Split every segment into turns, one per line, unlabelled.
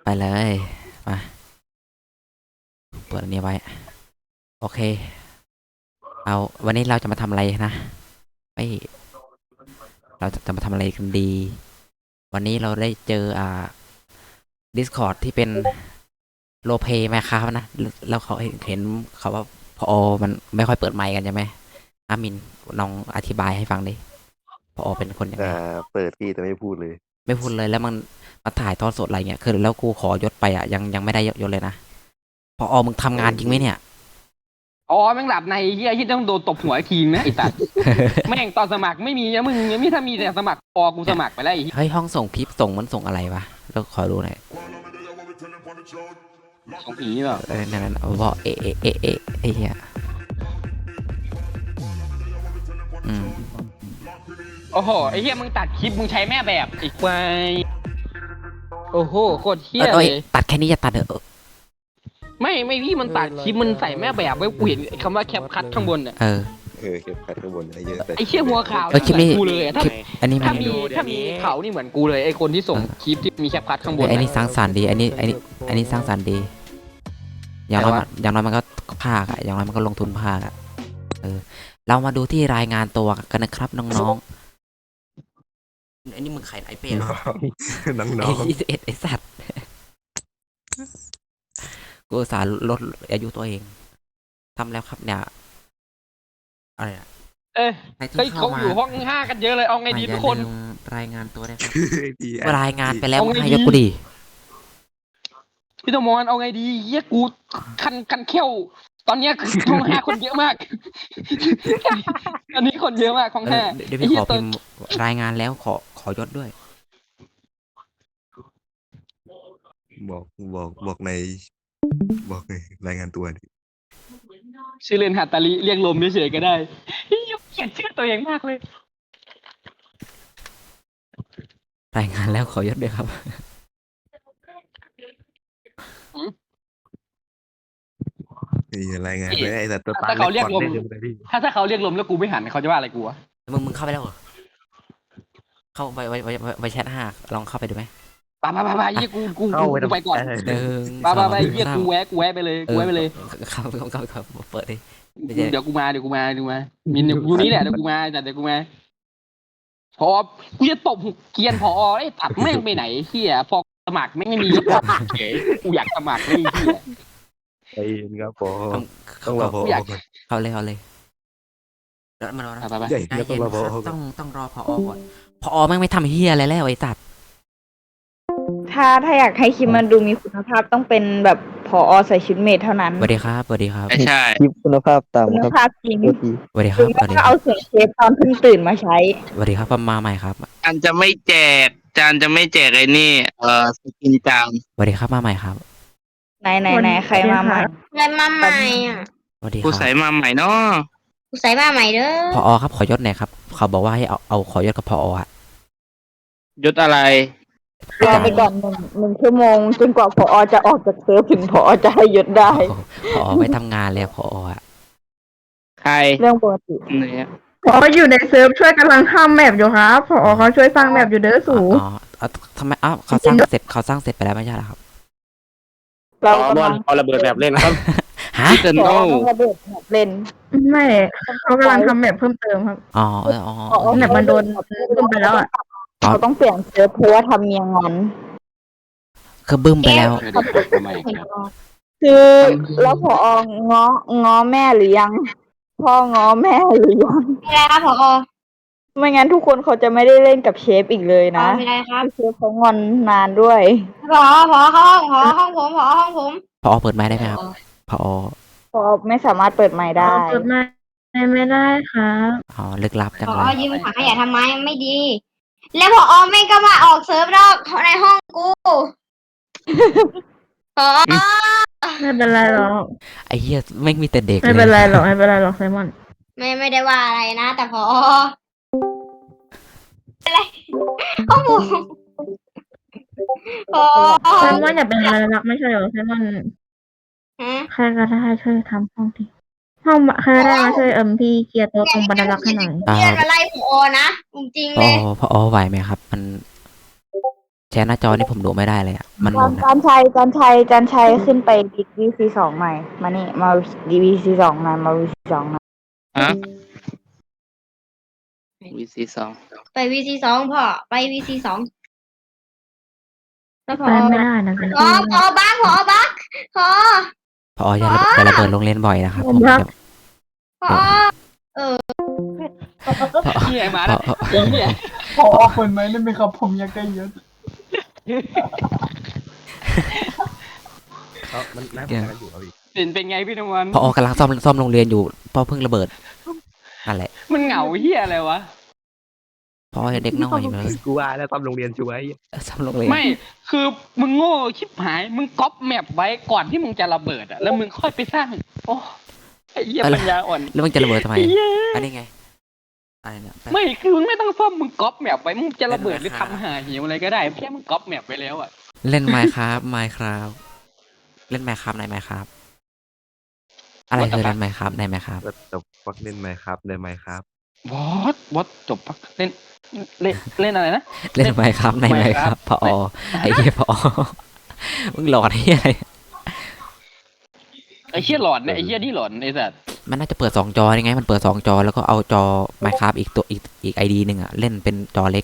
ไปเลยมาเปิดอันนี้ไว้โอเคเอาวันนี้เราจะมาทำอะไรนะไม่เราจะมาทำอะไรกันดีวันนี้เราได้เจอDiscord ที่เป็นโรลเพลย์ไหมครับนะแล้วเขาเห็นเขาว่าพอมันไม่ค่อยเปิดไมค์กันใช่ไหมอามินลองอธิบายให้ฟังดิพอเป็นคนยังไง
เปิดพี่แต่ไม่พูดเลย
ไม่พูดเลยแล้วมันมาถ่ายทอดสดอะไรเงี้ยคือแล้วกูขอยศไปยังไม่ได้ยศเลยนะพอมึงทำงานจริงไหมเนี่ย
อ๋อแม่งหลับในเฮียที่ต้องโดนตบหัวอีกทีนะไอ้สัตว์ แม่งตอนสมัครไม่มีนะมึงยังไม่ถ้ามีแต่สมัครพอกูสมัครไปแล้วไอ้เหี้ย
เฮ้ยห้องส่งคลิปส่งมันส่งอะไรวะแล้วขอดูหน่อย
ของผีเหรอ
นั่นบอกไอ้เหี้ยอืม
โอ้โหไอ้เฮียมึงตัดคลิปมึงใช้แม่แบบไอ้ควายโอ้โหโคตรเฮีย
เอ้ย
เลย
ตัดแค่นี้อย่าตัดเถอะ
ไม่พี่มันตัดคลิปมันใส่แม่แบบไว้กูเห็นคำว่าแคปคัทข้างบนอ่ะ
เก็บคัดข้างบนได้เยอะแต่
ไอ้เชี่ยหัวข่าว
คลิปนี้
กูเลยอะถ้า
คลิปอันนี้มัน
ถ้ามีเขานี่เหมือนกูเลยไอ้คนที่ส่งคลิปที่มีแคปคัทข้างบน
ไอ้นี่สร้างสรรค์ดีอันนี้สร้างสรรค์ดีอย่างน้อยมันก็ภาคอะอย่างน้อยมันก็ลงทุนภาคอะเรามาดูที่รายงานตัวกันนะครับน้องๆอันนี้มึงไข่ไอเป้เหรอ
น้อง
ไอ้สัตว์กูอุตสาห์ลดอายุตัวเองทำแล้วครับเนี่ยอะไรอะใครที่
เฮ้ย
เข้า
เขา
มา
อยู่ห้อง5กันเยอะเลยเอาไงดีทุกคน
อย่าลืมรายงานตัวได้ครับ
ๆพี่
รายงานไปแล้ว
เอาไง
ให้
ดี
ยกกูดี
พี่ตมอนเอาไงดีเฮียกูคันเขี้ยวตอนเนี้ยห้อง5คนเยอะมาก อันนี้คนเยอะมากห้องห้า
เดี๋ยวพี่ขอพิมพ์รายงานแล้วขอยศด้วย
บอกบอกในบอกในรายงานตัวดิ
ชื่อเล่นฮาตาลิเรียกลมเฉยๆก็ได้เฮ้ยเขียนชื่อตัวเองมากเลย
รายงานแล้วขอยศด้วยครับ
รายงานเลยไอ้แต่ตัวตา
ถ้าเขาเรียกลม
ได้เลยพี่
ถ้าเขาเรียกลมแล้วกูไม่หันเขาจะว่าอะไรกูวะ
มึงเข้าไปแล้วเหรอเข้าไปแชท5ลองเข้าไปดูไหม
ไปเฮียกูไปก่อน
หนึ่ง
ไปเฮียกูแวะไปเลยกูแวะไปเลย
เข้าเปิดดิ
เดี๋ยวกูมามินอยู่นี่แหละเดี๋ยวกูมาพอกูจะตบเกียนพอไอ้ตัดแม่งไปไหนเฮียพอสมัครแม่งไม่มีเฉยกูอยากสมัครเลยเฮีย
ไอ้ครับพอ
ต้องรอเข้าเลยแล้วมารอนะ
ไป
ใหญ่แล้วต้องรอพอ
ต้องรอพอก่อนพอแม่งไม่ทำเฮียอะไรแล้วไอ้ตัด
ถ้าอยากให้คลิปมันดูมีคุณภาพต้องเป็นแบบผอใส่ชุดเมทเท่านั้น
สวัสดีครับ
ไม่ใช่
คลิปคุณภาพต่ำ
คุณ
ครับ
ภาพจริง
โทษที
สวัสดีค
ห
รั
รื
บ
อไม่ก็เอาเสียงเชฟตอนเพิ่งตื่นมาใช้
สวัสดีครับมาใหม่ครับ
จานจะไม่แจกไอ้นี่สกินจาง
สวัสดีครับมาใหม่ครับ
ไหนใครมาใหม่
อะไรมาใหม่อ่ะ
สวัสดีค
กู
รับ
ใส่มาใหม่เนาะ
กูใส่มาใหม่เด้อ
พอครับขอยศหน่อยครับเขาบอกว่าให้เอาขอยศกับพออะ
ยศอะไร
รอไปก่อนหนึ่งชั่วโมงจนกว่าผอจะออกจากเซิร์ฟถึงผอจะให้ยศได้
พอไม่ทำงานแล้วพออะ
ใคร
เรื่องปกติ
เนี่ย
พออยู่ในเซิร์ฟช่วยกำลังทำแมปอยู่ครับพอเขาช่วยสร้างแมปอยู่เด้อสู
ทำไมเขาสร้างเสร็จไปแล้วไม่ใช่เหรอครับ
เรากำลัง
เอาระเบิดแบบเล่นครับ
ฮะ
เติน
ผอ
โต้
ต้องระเบิดแบบเล่น
ไม่เขากำลังทำแมปเพิ่มเติมครับ
อ๋อ
แมปมันโดนบึ้มไปแล้วอ่ะ
เขาต้องเปลี่ยนเซิร์ฟเพราะว่าทำเมียงอน
คือบึ้มไปแล้ว
คือแล้วผองอแม่หรือยังพ่องอแม่หรือยัง
ไม่ได้ครับผอ
ไม่งั้นทุกคนเขาจะไม่ได้เล่นกับเชฟอีกเลยนะ
ไม่ได้ครับ
เชฟเขางอนนานด้วย
ผอเข้าห้องผมผอห้องผม
พอเปิดไม้ได้ไหมครับพอ
เพราะไม่สามารถเปิดไมค์ได้
เปิดไม่ได้ครับ
อ๋อลึกลับจัง
ผ
เล
อย ยืมถังขยะทำไมไม่ดี แล้วผอไม่ก็มาออกเซิร์ฟนอกในห้องกูผอ
ไม่เป็นไรหรอก
ไอ้เหี้ยไม่มีแต่เด็ก
ไม่เป็นไรหรอกไซมอน
ไม่ได้ว่าอะไรนะ แต่ผออะไรห้องผมผอ
ไซมอนอย่าเป็นอะไรหรอกไม่ใช่หรอไซมอน
ฮะ
ใครก็ได้ช่วยทำห้องทีห้องใครก็ได้มาช่วยพี่เคลียร์โต๊ะตรงบรรลักษ์ให้หน่อย
เพื่อนมาไล่ผอนะจริงๆเลย
พอไหวไหมครับ มันแชร์หน้าจอนี่ผมดูไม่ได้เลยอ่ะมันหมุนอะ
จานชัยขึ้นไปดีวีซีสองใหม่มานี่มาดีวีซีสองมาวีซีสองมา
ฮะ VC2
ไป VC2 พ่อไป VC2 แล้วพอ
ไปไม่ได้นะคุณ
พอบักพอ
พออย่าระเบิดโรงเรียนบ่อยนะครับผม
พอ
เฮียมา
พ
แล้
อ
วไอ้เฮีย
พอเปิดไหมได้ไหมครับผมอยากได้เยอะ
เขามันน่าเหมือนกันอยู่ครับพี่
เป็นไงพี่นวัน
พอกำลังซ่อมโรงเรียนอยู่พอเพิ่งระเบิดนั่นแหละ
มันเหงาเฮียอะไรวะ
พอเด็กน้อยเลย
กูว่าแล้วตอนโรงเรียนช่วย
ซ่อมโรงเรียน
ไม่คือมึงโง่ชิบหายมึงก๊อปแมปไว้ก่อนที่มึงจะระเบิดอ่ะแล้วมึงค่อยไปสร้างโอ้ไอ้เหี้ยปัญญาอ่อน
แล้วมันจะระเบิดทำไม
ไอ้เหี้ย
อันนี้ไงอะไรเนี่ย
ไม่คือมึงไม่ต้องซ่อมมึงก๊อปแมปไว้มึงจะระเบิดหรือทำหาหิวอะไรก็ได้แค่มึงก๊อปแมปไว้แล้วอ่ะ
เล่นไมค์ครับเล่นไมค์ครับในไมค์ครับอะไรคือเล่นไมค์ครับในไมค์ครับ
ก็จบฟักเล่นไหมครับได้ไหมครับ
บอสจบปะเล่นอะไรนะ
เล่นไมค์ครับในไมค์ครับพอไอ้เหี้ยพอมึงหลอดไอ้เหี้ยอะไร
ไอ้เหี้ยหลอนเนี่ยไอ้เหี้ยนี่หลอนไอ้สัส
มันน่าจะเปิด2 จอยังไงมันเปิด2 จอแล้วก็เอาจอไมค์ครับอีกไอดีหนึ่งอ่ะเล่นเป็นจอเล็ก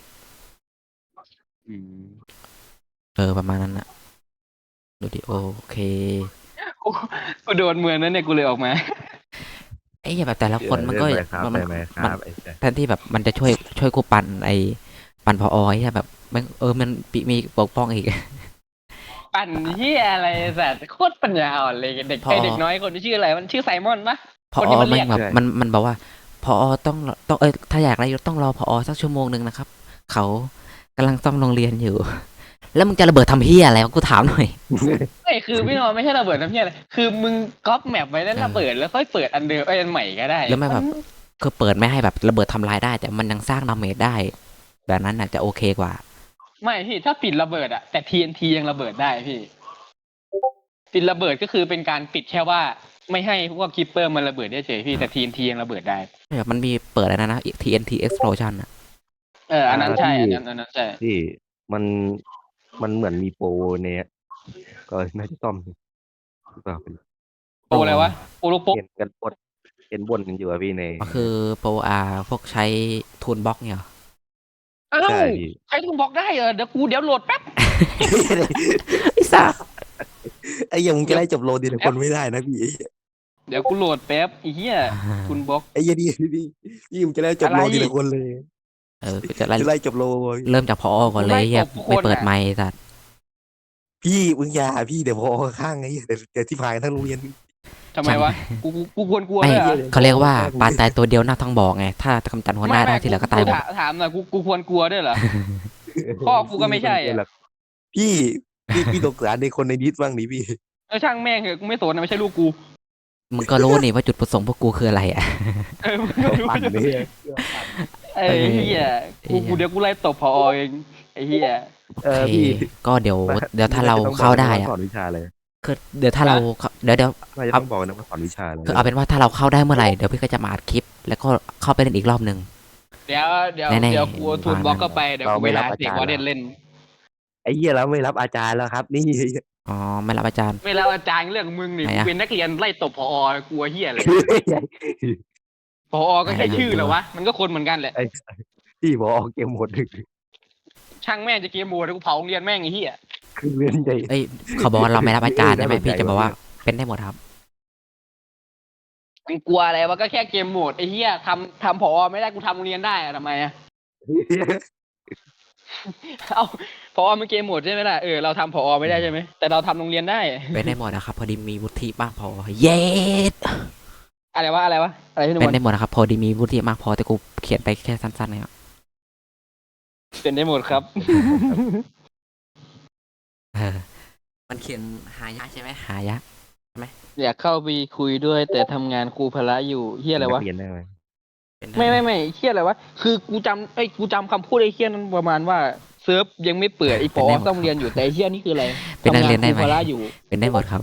ประมาณนั้นอ่ะดูดิโอเค
กูโดนเมืองนั้นเนี่ยกูเลยออกมา
ไอ้เหี้ยแบบแต่ละคนมันก็
เล่ไหครับ
มัน
ได้ไหมครับไอ้แจ๊ค
แทนที่แบบมันจะช่วยกูปั่นพอไอ้เหี้ยแบบมันมีปกป้องอีก
ปั่นเหี้ยอะไรสัสโคตรปัญญาอ่อนเลยเด็ก
พอ
ไอเด็กน้อยคนที่ชื่ออะไรมันชื่อไซมอนปะ
พอ
คนที่มันเรี
ไม่
ยก
แบบมันบอกว่าพอต้องถ้าอยากได้ต้องรอพอสักชั่วโมงนึงนะครับ เขากำลังซ่อมโรงเรียนอยู่ แล้วมึงจะระเบิดทำเฮียอะไรวะกูถามหน่อย
ไม่คือพี่นอนไม่ใช่ระเบิดน้ำเหี้ยอะไรคือมึงก๊อปแมปไว้แล้วระเบิดแล้วค่อยเปิดอันเดิมอันใหม่ก็ได้
แล้วไม่แบบ คือเปิดไม่ให้แบบระเบิดทำลายได้ แต่มันยังสร้างดาเมจได้ แบบนั้นน่ะจะโอเคกว่า
ไม่พี่ถ้าปิดระเบิดอะแต่ TNT ยังระเบิดได้พี่ปิดระเบิดก็คือเป็นการปิดแค่ว่าไม่ให้พวกคิปเปอร์มันระเบิดได้เฉยพี่แต่ TNT ยังระเบิดได้
แบบมันมีเปิดอะไรนะ TNT explosion อ่ะ
อันนั้นใช่อันนั้นใช่
ที่มันเหมือนมีโปรเนี่ยก็น่าจะซ่อมหรือเปล่า
โปรอะไรวะโปรลูกโป
เห็นบนกันอยู่อะพี่ใน
ก็คือโปรพวกใช้ทูนบล็อกเนี่ยเหรอ
อ้าว
ใช่พี่
ใครต้องบอกได้เดี๋ยวโหลดแป๊บ
ไอ้สัส
ไอ้ยังมึงจะไล่จบโลดีแต่คนไม่ได้นะพี่
เดี๋ยวกูโหลดแป๊บไอ้เหี้ยคุณบล็อก
ไอ้ยังพี่มึงจะไล่จบโลดีแต่คนเลย
กูจะไล่
จะไล่จบโล
เริ่มจากพอก่อนเลยเฮียไม่เปิดไมค์สัส
พี่มึงอย่าพี่เดี๋ยวพอข้างไงเดี๋ยวที่พายทั้งโรงเรียน
ทำไมวะกูควรกลัว
ไม่
ด้วยเหรอ
เขาเรียกว่าปลาตายตัวเดียวหน้าท้องบอกไง ถ้ากำจัดหัวหน้าได้ที่เหลือก็ตายหมด
ถามหน่อยกูควรกลัวด้วยเหรอ พ่อกูก็ไม่ใช่อะ
พี่ตกสารในคนในดิสบ้างดิพี่
ช่างแม่งเหอะกูไม่สนนะไม่ใช่ลูกกู
มึงก็รู้นี่ว่าจุดประสงค์พวกกูคืออะไรอ่ะ
มึงก็รู้
ปั่นเลย
ไอ้เหี้ยกูเดี๋ยวกูไล่ตบพอเองไอ้เหี้ย
โอเคก็เดี๋ยวถ้าเราเข้าได้อะ
สอนวิชาเลย
คือเดี๋ยวถ้าเราเดี๋ยว
น่าจะต้องบอกนะว่าสอนวิชาเลย
คือเอาเป็นว่าถ้าเราเข้าได้เมื่อไหร่เดี๋ยวพี่ก็จะมาอัดคลิป แล้วก็เข้าไปเล่นอีกรอบหนึ่ง
เดี๋ยว
แน่ๆ
เดี๋ยวกูเอาทูนบล็อกเข้าไปเดี๋ยวกูไปหาเด็กวอร์เดนเล่น
ไอ้เหี้ยแล้วไม่รับอาจารย์แล้วครับ นี่
อ๋อไม่รับอาจารย์
เวลาอาจารย์เรื่องมึงนี่
ไหน
กู
อะ
เป็นนักเรียนไล่ตบพอกลัวเหี้ยเลยพอก็แค่ชื่อเหรอวะมันก็คนเหมือนกันแหละ
ไอ้พี่บอกเอาเกมหมด
ช่างแม่งจะเกมโหมดแล้วกูเผาโรงเรียนแม่งไอ้เหี้ย
คือเรียนใหญ่
เอ้ยเขาบอกว่าเราไม่รับอาจารย์ใช่ไหมพี่จะบอกว่าเป็นได้หมดครับ
มันกลัวอะไรวะก็แค่เกมโหมดไอ้เหี้ยทำพอไม่ได้กูทำโรงเรียนได้อะทำไมอะ เอาพอมันเกมโหมดใช่ไหมล่ะเราทำพอไม่ได้ใช่ไหมแต่เราทำโรงเรียนได้
เป็นได้หมดนะครับพอดีมีวุฒิมากพอเย็ด
อะไรวะอะไรพี่หนุ่
เป็น
ม
ได้หมดนะครับพอดีมีวุฒิมากพอแต่กูเขียนไปแค่สั้นๆนะครับ
เป็นได้หมดครับ
มันเขียนหายะใช่ไหมหายะ
อยากเข้าไปคุยด้วยแต่ทำงานครูพละอยู่เฮียอะไรวะ
เรียนได้ไหม
เป็น
ไม่เฮียอะไรวะคือกูจำคำพูดไอ้เฮียนั้นประมาณว่าเซิร์ฟยังไม่เปิดไอ้ปอต้องเรียนอยู่แต่ไอ้เฮียนี่คืออะไร
เป็นนัก
ทำงา
เรีย
น
น
ค
ได้
รู
ไหม
พละอยู่
เป็นได้หมดครับ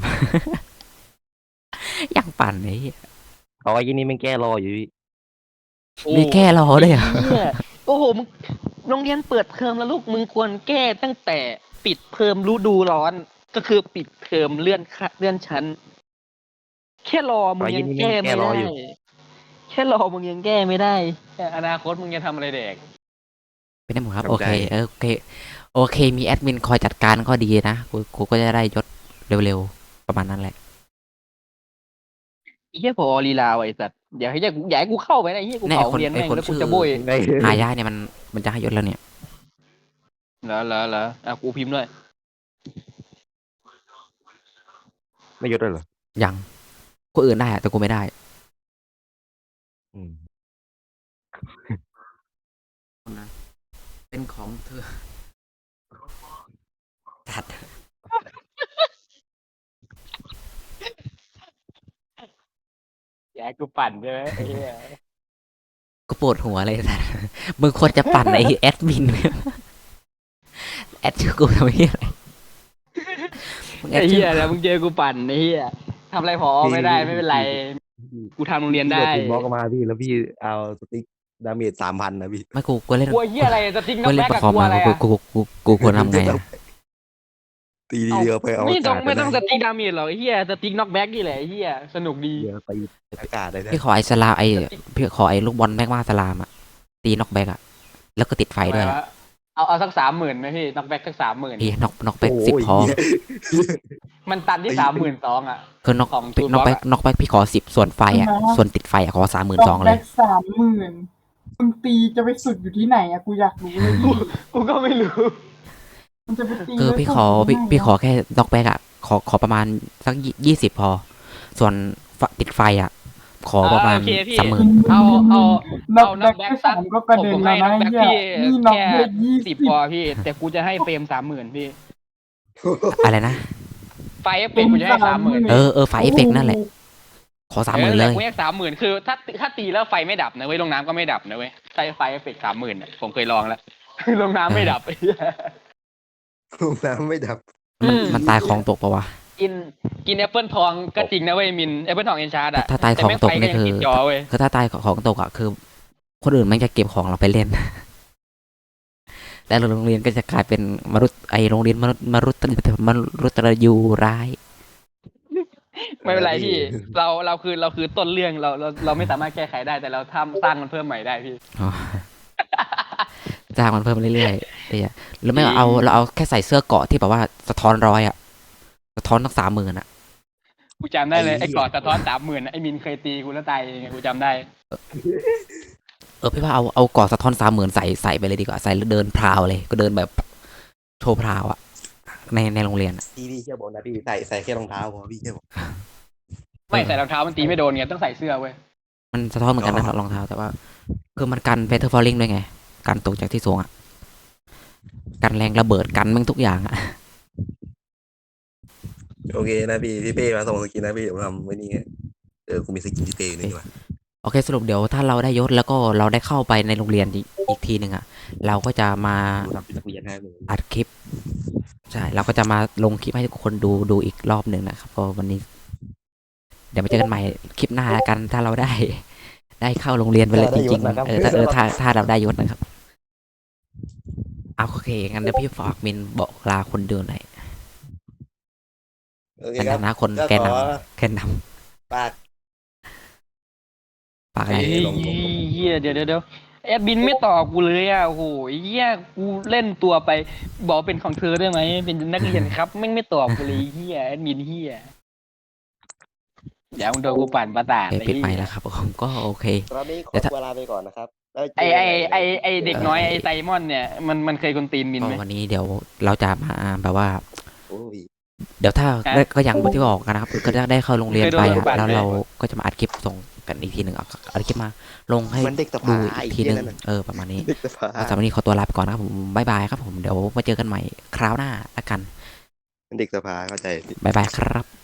ยังปั่นไอ้เหี้ย
เอาไอ้ยี่นี่มันแก้รออยู่พี่
โอ้
มีแก้รอด้วยเหรอ
เหี้ยโอ้โหมึงโรงเรียนเปิดเทอมแล้วลูกมึงควรแก้ตั้งแต่ปิดเทอมฤดูร้อน ก็คือปิดเทอมเลื่อนชั้น แค่รอมึงยังแก้ไม่ได้ แค่รอมึงยังแก้ไม่ได้แต่อนาคตมึงจะทำอะไรเด็ก
เป็นได้หมดครับ
ทำ
โอเค
ได้
โอเค โอเค มีแอดมินคอยจัดการก็ดีนะกูก็จะได้ยศเร็วๆ ประมาณนั้นแหละ
ไอ้เหี้ยพอลีลาไอ้สัตว์อย่าให้กูเข้าไปนะไอ้เหี้ยกู
แน่
เผา
คน
เรียน
ไอ้
แม่ง
คน
แล้วกู
ชื่อ
จะโบย
ได้
หายาเนี่ยมันจะให้ยศแล้วเนี่ย
เหรออ่ะกูพิมพ์ด้วย
ไม่ยศด้วยเหรอ
ยังคนอื่นได้อะแต่กูไม่ได้
อืม
เป็นของเธอจัด
อย่าให้กูปั่นใช่ไหมไอ้เหี้ย
กูปวดหัวเลยสัสมึงควรจะปั่นไอ้แอดมิน แอดชื่อกูทำไมอะไรมึงแอ
ไอ้
ดชื่
เหี้
อย
แล้วมึงเจอกูปั่นไอ้เหี้ยทำอะไรพอไม่ได้ไม่เป็นไร กูทำโรงเรียนได้
พี่บล็อกมาพี่แล้วพี่เอาสติ๊กดาเมจ3,000นะพี่
ไม่กูเล่น
กลัวเหี้ยอะไรสติ๊กน็
กู
อก
เล่น
แบ็ก
ประ
กับ
คอม
กลัว
มา
อะไร
กูควรทำไงอะ
ตีทีเดียวไปเอา
ไม่ต้อง
อากาศ
ไม่ต้อง
ด้
สติ๊กดาเมจหรอกไอ้เหี้ยสติ๊กน็อกแบ็กนี่แหละไอ้เหี้ยสนุกดี
เดียวไปอากาศได้นะ
พี่ขอไอ้สลามพี่ขอไอ้ลูกบอลแม็กมาสลามอะตีน็อกแบ็กอะแล้วก็ติดไฟด้วยอะ
เอาสัก30,000ไหมพี่น็อกแบ็กสัก30,000
พี่น็อกแบ็ก
โอ้
10 พอ
ย
มันตันที่32,000อ่ะ
คือน็อก
ของ
น็อกแบ็ก
Toolbox
น็อกแบ็กพี่ขอ10ส่วนไฟอะส่วนติดไฟอะขอ32,000
แบ็
เลย
ค30,000มึงตีจะไปสุดอยู่ที่ไหนอะกูอยากรู้เลยพี่
กูก็ไม่รู้
มันจะไปตี
คือ
ไว้
พี่
สุด
ขอ
ที่ไหน
พี่ขอแค่น็อกแบ็กอะขอประมาณสัก20 พอ ส่วนติดไฟอะขอประมาณ
โอเคพี่
30,000
เอา
น็อก
น็อก
แบ็
แบ็
ค
กสัก
3ก็กระเด็นแล้วนะไอ้เหี้ยนี่น็อกแบ็ค
10
20
พอพี่ แต่กูจะให้เฟรม30,000พี่
อะไรนะ
ไฟเอฟเฟกต์กูจะให้30,000
เออไฟเอฟเฟกนั่นแหละ ขอ30,000เลย
กูให้30,000คือถ้าตีแล้วไฟไม่ดับนะเว้ยลงน้ำก็ไม่ดับนะเว้ยใช้ไฟเอฟเฟกต์30,000อ่ะผมเคยลองแล้ว ลงน้ำไม่ดับ
ลงน้ำไม่ดับ
มันตายของตกปะวะ
กินแอปเปิลทองก็จริงนะเว้ยมินแอปเปิลทองเอนชาร์ดอ่ะ
ถ้าตายของตกนี่คือ
แต่แม่งไฟยังติดจอเว้ย
คือถ้าตายของตกอะคือ คนอื่นมันจะเก็บของเราไปเล่น แล้วโรงเรียนก็จะกลายเป็นมรุษไอโรงเรียนมรุตรยูร้าย
ไม่เป็นไรพี่ เราคือต้นเรื่องเราไม่สามารถแก้ไขได้แต่เราสร้างมันเพิ่มใหม่ได้พี่
อ๋อ จ้างมันเพิ่มเรื่อยๆไอ้เหี้ยหรือไม่ก็เราเอาแค่ใส่เสื้อเกราะที่แบบว่าสะท้อน100อะสะท้อนตั้ง30,000อะ
กูจำได้เลยไอ้กอดสะท้อน30,000ไอ้มินเคยตีกูแล้วตายเองกูจำได้
พี่ว่าเอาเกราะสะท้อน30,000ใส่ไปเลยดีกว่าใส่แล้วเดินพราวเลย ก็เดินแบบโชว์พราวอะในโรงเรียนอะ
พี่เชื่อบอกนะพี่ใส่แค่รองเท้าพอพี่เชื่อบอก
ไม่ใส่รองเท้ามันตีไม่โดนไงต้องใส่เสื้อเว้ย
มันสะท้อนเหมือนกันนะ
อ๋อ
รองเท้าแต่ว่า คือมันกันเพเทอร์ฟอลลิงด้วยไงกันตกจากที่สูงอะกันแรงระเบิดกันมันทุกอย่างอะ
โอเคนะพี่เป้มาส่งสกินนะพี่เดี๋ยวทำไว้นี่ไงกูมีสกินที่เป้อยู่นี่ดีกว่า
โอเคสรุปเดี๋ยวถ้าเราได้ยศแล้วก็เราได้เข้าไปในโรงเรียนอีกทีหนึ่งอะเราก็จะมา
ทำเป็นนักเรียนให้เลย
อัดคลิปใช่เราก็จะมาลงคลิปให้ทุกคนดูอีกรอบหนึ่งนะครับก็วันนี้ เดี๋ยวมาเจอกันใหม่คลิปหน้าแล้วกันถ้าเราได้เข้าโรงเรียนไปเลยจริงๆถ้าเราได้ยศนะครับเอาโอเคงั้นเดี๋ยวพี่ฝากมินบอกลาคนดูหน่อย
โอเค
ใน
ครับ
ฐานะคน
ก็
แกน
ขอน
ำแกนน
ฝาก
ำฝากอะไร
เฮ้ยเฮียเดี๋ยวแอดบินไม่ตอบกูเลยอ่ะโอ้โหเฮียกูเล่นตัวไป บอกเป็นของเธอได้ไหมเป็นนักเรียนครับแม่งไม่ตอบกูเลยเฮียแอดมินเฮียเดี๋ยวมึงโดนกูปั่นประสาท
ปิดไมค์แล้วครับผมก็โอเค
ตอนนี้ขอ
เดี๋ยวถ้า
ตัวลาไปก่อนนะครับแล้วเจ
ไอ
กันใหม่
เด็กน้อยไอไซมอนเนี่ยมันเคยกวนตีนมิน
ก็
ไหม
วันนี้เดี๋ยวเราจะมาแบบว่า
โอ้ย
เดี๋ยวถ้า
ฮะ
ได้ก็อย่างที่บอกกันนะครับก็จะได้เข้าโรงเรียนไป
เคยโดน
อะ
ปั่น
แล้ว
ไหม
เราก็จะมาอัดคลิปส่งกันอีกทีหนึ่งเอาคลิปมาลงให้
มันเด็กส
ดู
ภา
อีกทีหนึ่ง
ไอ้เหี้ยนั่นน่ะ
ประมาณนี้
เด็กสภา
สำหรับวันนี้ขอตัวลาไปก่อนนะครับผมบ๊ายบายครับผมเดี๋ยวมาเจอกันใหม่คราวหน้าละกัน
มันเด็กสภาเข้าใจ
บ๊ายบายครับ